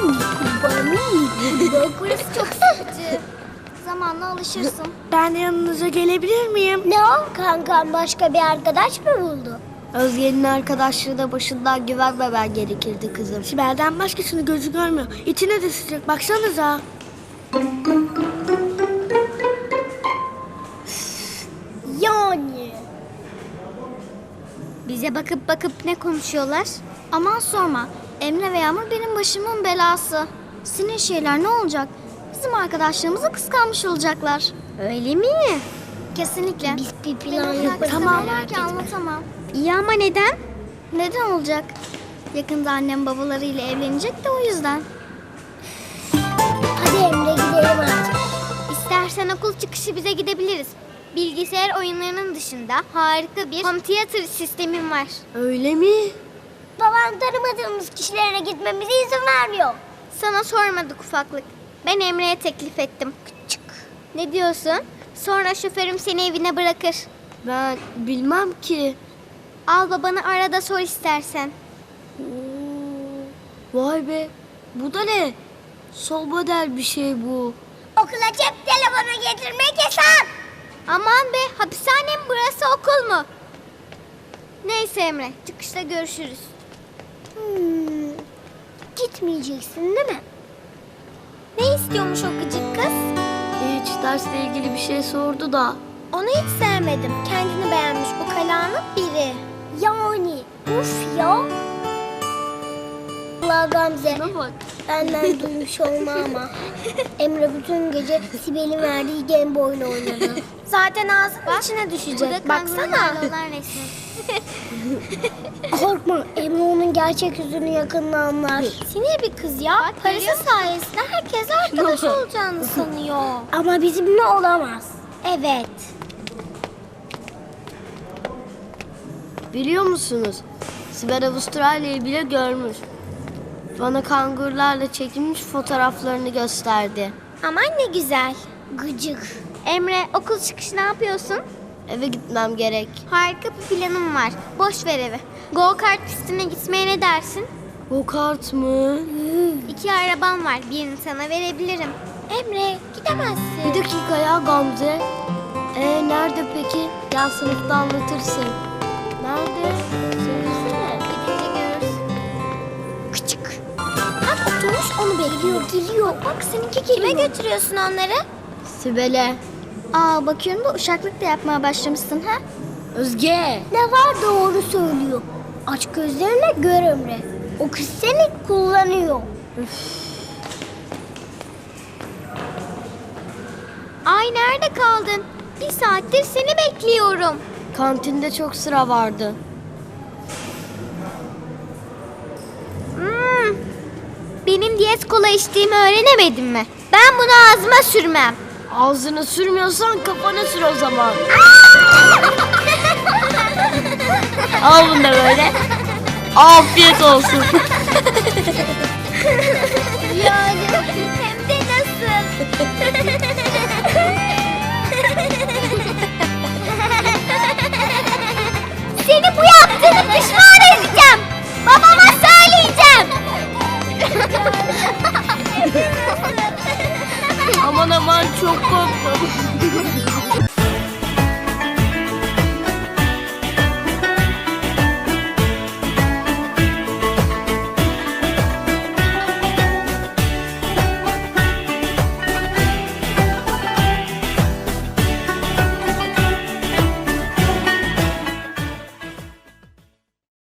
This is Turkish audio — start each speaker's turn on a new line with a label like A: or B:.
A: Bak burası çok sıkıcı. Zamanla alışırsın.
B: Ben de yanınıza gelebilir miyim?
A: Ne o? Kankam başka bir arkadaş mı buldu?
B: Özge'nin arkadaşlığı da başından güvenmemen gerekirdi kızım. Sibel'den başkasını gözü görmüyor. İçine de sıcak baksanıza.
A: Yani. Bize bakıp bakıp ne konuşuyorlar? Aman sorma. Emre ve Yağmur benim başımın belası. Senin şeyler ne olacak? Bizim arkadaşlığımızı kıskanmış olacaklar. Öyle mi? Kesinlikle. Biz bir plan yaparız.
B: Tamam.
A: Ki anlatamam. İyi ama neden? Neden olacak? Yakında annem babalarıyla evlenecek de o yüzden. Hadi Emre gidelim artık. İstersen okul çıkışı bize gidebiliriz. Bilgisayar oyunlarının dışında harika bir home theater sistemim var.
B: Öyle mi?
A: Babam tanımadığımız kişilere gitmemize izin vermiyor. Sana sormadık ufaklık. Ben Emre'ye teklif ettim. Küçük. Ne diyorsun? Sonra şoförüm seni evine bırakır.
B: Ben bilmem ki.
A: Al babanı arada sor istersen.
B: Vay be. Bu da ne? Sol model bir şey bu.
A: Okula cep telefonu getirmek yasak. Aman be, hapishane mi burası, okul mu? Neyse Emre, çıkışta görüşürüz. Gitmeyeceksin değil mi? Ne istiyormuş o gıcık kız?
B: Hiç dersle ilgili bir şey sordu da.
A: Onu hiç sevmedim. Kendini beğenmiş bu kalanın biri. Yani uf ya. Allah Gamze.
B: Şuna bak.
A: Benden duymuş olma ama. Emre bütün gece Sibel'in verdiği Game Boy'la oynadı. Zaten ağzının içine düşecek. Baksana. Korkma. Emre onun gerçek yüzünü yakında anlar. Sinir bir kız ya. Parası sayesinde herkes arkadaş olacağını sanıyor. Ama bizimle olamaz. Evet.
B: Biliyor musunuz? Sibel Avustralya'yı bile görmüş. Bana kangurlarla çekilmiş fotoğraflarını gösterdi.
A: Aman ne güzel. Gıcık. Emre, okul çıkışı ne yapıyorsun?
B: Eve gitmem gerek.
A: Harika bir planım var. Boş ver evi. Go kart pistine gitmeye ne dersin?
B: Go kart mı?
A: 2 arabam var. Birini sana verebilirim. Emre, gidemezsin.
B: Bir dakika ya Gamze. Nerede peki? Gel sınıfta anlatırsın. Nerede? Söylesene.
A: Gidince görürsün. Küçük. Bak oturmuş onu bekliyor. Geliyor. Bak seninki geliyor. Kime götürüyorsun onları?
B: Sibel'e.
A: Aa, bakıyorum da uşaklık da yapmaya başlamışsın ha?
B: Özge.
A: Ne var doğru söylüyor. Aç gözlerine gör Emre. O kız seni kullanıyor. Ay nerede kaldın? 1 saattir seni bekliyorum.
B: Kantinde çok sıra vardı.
A: Benim diyet kola içtiğimi öğrenemedin mi? Ben bunu ağzıma sürmem.
B: Ağzını sürmüyorsan kafana sür o zaman. Al bunu da böyle. Afiyet olsun.
A: Yani hem de nasıl? Seni bu yaptığını pişman edeceğim. Babama söyleyeceğim.
B: Aman aman çok korktum.